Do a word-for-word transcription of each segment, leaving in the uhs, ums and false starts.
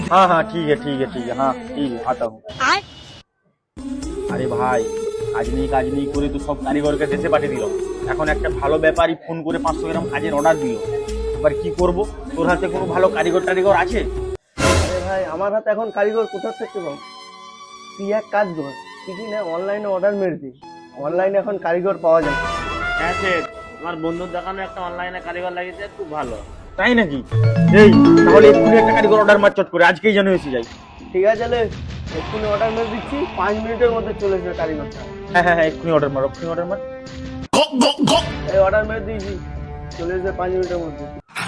हाँ हाँ ठीक है ठीक है ठीक है, हाँ ठीक है आता हूँ। আরে ভাই, কাজ নেই কাজ নেই করে তো সব কারিগরকে দেশে পাঠিয়ে দিল। এখন একটা ভালো ব্যাপারী ফোন করে পাঁচশো গ্রাম কাজের অর্ডার দিল। এবার কি করব? তোর হাতে কোনো ভালো কারিগর টারিগর আছে? আরে ভাই, আমার হাতে এখন কারিগর কোথা থেকে পাবো? তুই এক কাজ কর, কিছু না অনলাইনে অর্ডার মেরে দিই। অনলাইনে এখন কারিগর পাওয়া যায়। হ্যাঁ স্যার, আমার বন্ধুর দোকানে একটা অনলাইনে কারিগর লাগিয়েছে, খুব ভালো। তাই নাকি? এই তাহলে এক্ষুনি একটা কারিগর অর্ডার মার চট করে, আজকেই যেন এসে যাই। ঠিক আছে, তাহলে এক্ষুনি অর্ডার মেরে দিচ্ছি, পাঁচ মিনিটের মধ্যে চলে আসবে কারিগরটা। হ্যাঁ হ্যাঁ হ্যাঁ এক্ষুনি অর্ডার মার, এক্ষুনি অর্ডার মার। এই অর্ডার মেরে দিয়েছি, চলে আসবে পাঁচ মিনিটের মধ্যে।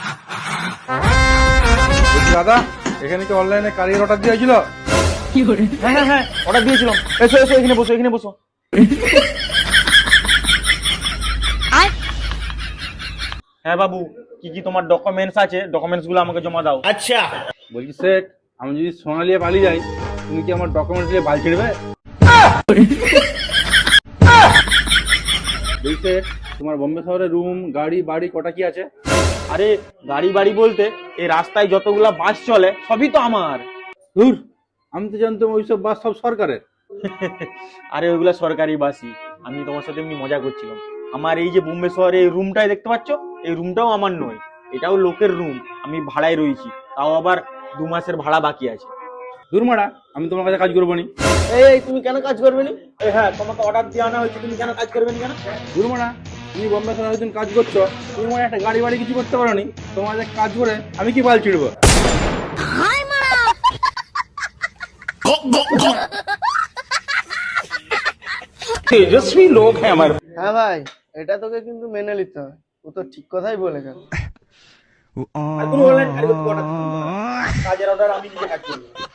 দাদা, এখানে কি অনলাইনে কারিগর অর্ডার দেওয়া হয়েছিল? হ্যাঁ হ্যাঁ হ্যাঁ অর্ডার দিয়েছিলাম। এসো এসো, এখানে বসো এখানে বসো। হ্যাঁ বাবু, কি কি তোমার ডকুমেন্টস আছে, ডকুমেন্টস গুলো আমাকে জমা দাও। আচ্ছা, বলছি শেখ, আমি যদি সোনা নিয়ে পালিয়ে যাই, তুমি কি আমার ডকুমেন্টস নিয়ে বাল ছেড়বে? বলছি শেখ, তোমার বোম্বে শহরে রুম গাড়ি বাড়ি কটা কি আছে? আরে গাড়ি বাড়ি বলতে এই রাস্তায় যতগুলা বাস চলে সবই তো আমার। ধুর, আমি তো জানতাম ওইসব বাস সব সরকারের। আরে ওইগুলা সরকারি বাসই। আমি তোমার সাথে এমনি মজা করছিলাম। আমার এই যে বোম্বে শহরে এই রুমটাই দেখতে পাচ্ছ, এই রুমটাও আমার নয়, এটাও লোকের রুম। আমি ভাড়ায় রয়েছি, তাও আবার দু মাসের ভাড়া বাকি আছে। দূর মারা, আমি তোমার কাছে কাজ করবো নি। এই এই, তুমি কেন কাজ করবে না? এই হ্যাঁ, তোমাকে অর্ডার দিয়ে আনা হয়েছে, তুমি কেন কাজ করবেন কেন? দূর মারা, তুমি বোম্বে শহরে একদিন কাজ করছো, তুমি মনে হয় একটা গাড়ি বাড়ি কিছু করতে পারো নি, তোমাদের কাজ করে আমি কি বাল ছিড়বো? তেজস্বী লোক হ্যাঁ আমার। হ্যাঁ ভাই, এটা তোকে কিন্তু মেনে নিতে হবে, ও তো ঠিক কথাই বলে গেল। আর কোনো অনলাইন কারিগর অর্ডার কাজের অর্ডার আমি নিজে কাজ করবো।